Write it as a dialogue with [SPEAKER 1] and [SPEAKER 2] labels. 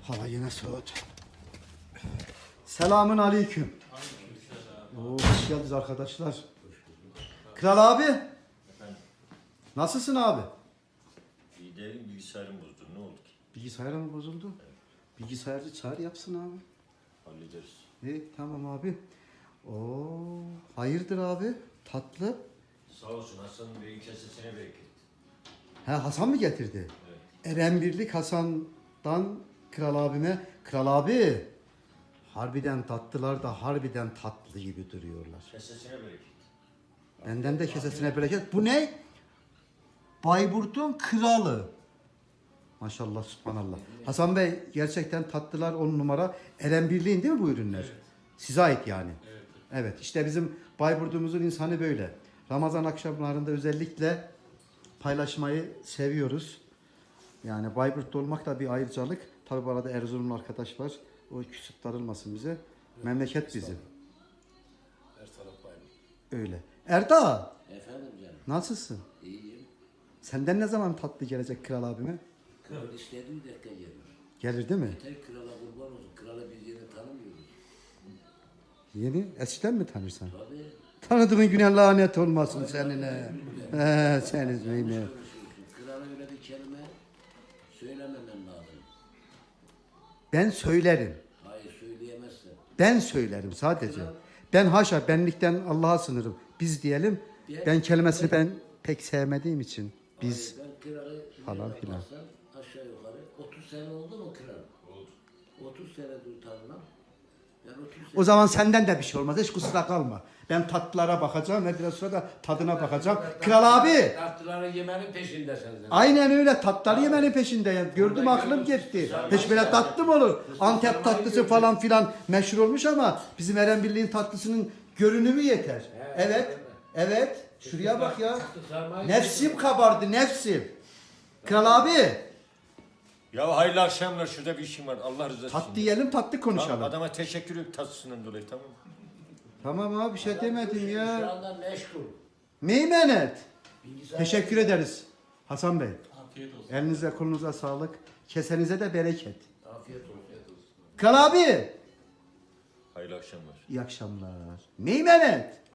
[SPEAKER 1] Hava yine soğut. Selamun aleyküm. Hoş geldiniz arkadaşlar. Kral abi.
[SPEAKER 2] Efendim?
[SPEAKER 1] Nasılsın abi?
[SPEAKER 2] İyi değilim, bilgisayarım bozdu. Ne oldu ki?
[SPEAKER 1] Bilgisayar mı bozuldu?
[SPEAKER 2] Evet.
[SPEAKER 1] Bilgisayarcı çağır yapsın abi.
[SPEAKER 2] Hallederiz.
[SPEAKER 1] İyi tamam abi. Hayırdır abi? Tatlı.
[SPEAKER 2] Sağ olsun Hasan'ın beyin kesesine bereket.
[SPEAKER 1] He Hasan mı getirdi?
[SPEAKER 2] Evet.
[SPEAKER 1] Erenbirlik Hasan'dan Kral abime. Kral abi. Harbiden tatlılar da harbiden tatlı gibi duruyorlar.
[SPEAKER 2] Kesesine bereket.
[SPEAKER 1] Benden de kesesine bereket. Bu ne? Bayburt'un kralı. Maşallah subhanallah. Hasan Bey gerçekten tatlılar 10 numara. Erenbirliğin değil mi bu ürünler?
[SPEAKER 2] Evet.
[SPEAKER 1] Size ait yani.
[SPEAKER 2] Evet.
[SPEAKER 1] Evet işte bizim Bayburt'umuzun insanı böyle. Ramazan akşamlarında özellikle paylaşmayı seviyoruz. Yani Bayburt'ta olmak da bir ayrıcalık. Tabi bu arada Erzurumlu arkadaş var. O küsüp darılmasın bize. Memleket bizim.
[SPEAKER 3] Her taraf Bayburt.
[SPEAKER 1] Öyle. Erda
[SPEAKER 3] Efendim canım.
[SPEAKER 1] nasılsın?
[SPEAKER 3] İyiyim.
[SPEAKER 1] Senden ne zaman tatlı gelecek kral abime?
[SPEAKER 3] Kral istediği dakika gelir.
[SPEAKER 1] Gelir değil mi?
[SPEAKER 3] Yeter krala kurban olsun. Kralı biz yine tanımıyoruz.
[SPEAKER 1] Yeni eskiden mi tanırsan?
[SPEAKER 3] Tabii.
[SPEAKER 1] Tanıdığın güne lanet olmasın seninle. Senin yine.
[SPEAKER 3] Konuşuyorsun. Krala öyle bir kelime söylememen lazım.
[SPEAKER 1] Ben söylerim.
[SPEAKER 3] Hayır söyleyemezsin.
[SPEAKER 1] Ben söylerim sadece. Ben haşa benlikten Allah'a sınırım. Biz diyelim. Ben kelimesini ben pek sevmediğim için. Biz
[SPEAKER 3] Hayır, ben kralı
[SPEAKER 1] falan filan.
[SPEAKER 3] bakarsan aşağı yukarı 30 sene oldu mu kral? Oldu. 30 senedir tanımam. Ben 30 sene...
[SPEAKER 1] o zaman senden de bir şey olmaz. Hiç kusura kalma. Ben tatlılara bakacağım ve biraz sonra da tadına bakacağım. Kral abi.
[SPEAKER 4] Tatlıları yemenin peşindesin.
[SPEAKER 1] Aynen öyle tatları yemenin peşindeyim. Gördüm aklım gitti. Hiç böyle tatlı mı olur? Antep tatlısı falan filan meşhur olmuş ama bizim Erenbirliğin tatlısının görünümü yeter. Evet. Evet. Şuraya bak ya. Nefsim kabardı nefsim. Kral abi.
[SPEAKER 2] Ya hayırlı akşamlar, şurada bir işim var. Allah rızası için.
[SPEAKER 1] Tatlı yiyelim tatlı
[SPEAKER 2] Tamam,
[SPEAKER 1] konuşalım.
[SPEAKER 2] adama teşekkür ederim tatlısından dolayı, tamam mı?
[SPEAKER 1] Tamam abi bir şey demedim
[SPEAKER 3] Şu
[SPEAKER 1] ya.
[SPEAKER 3] anda meşgul.
[SPEAKER 1] Meymenet.
[SPEAKER 3] Bilgisayar...
[SPEAKER 1] Teşekkür ederiz. Hasan Bey.
[SPEAKER 4] Afiyet olsun.
[SPEAKER 1] Elinize kolunuza sağlık. Kesenize de bereket.
[SPEAKER 3] Afiyet olsun.
[SPEAKER 1] Kral abi.
[SPEAKER 2] Hayırlı akşamlar.
[SPEAKER 1] İyi akşamlar. Meymenet.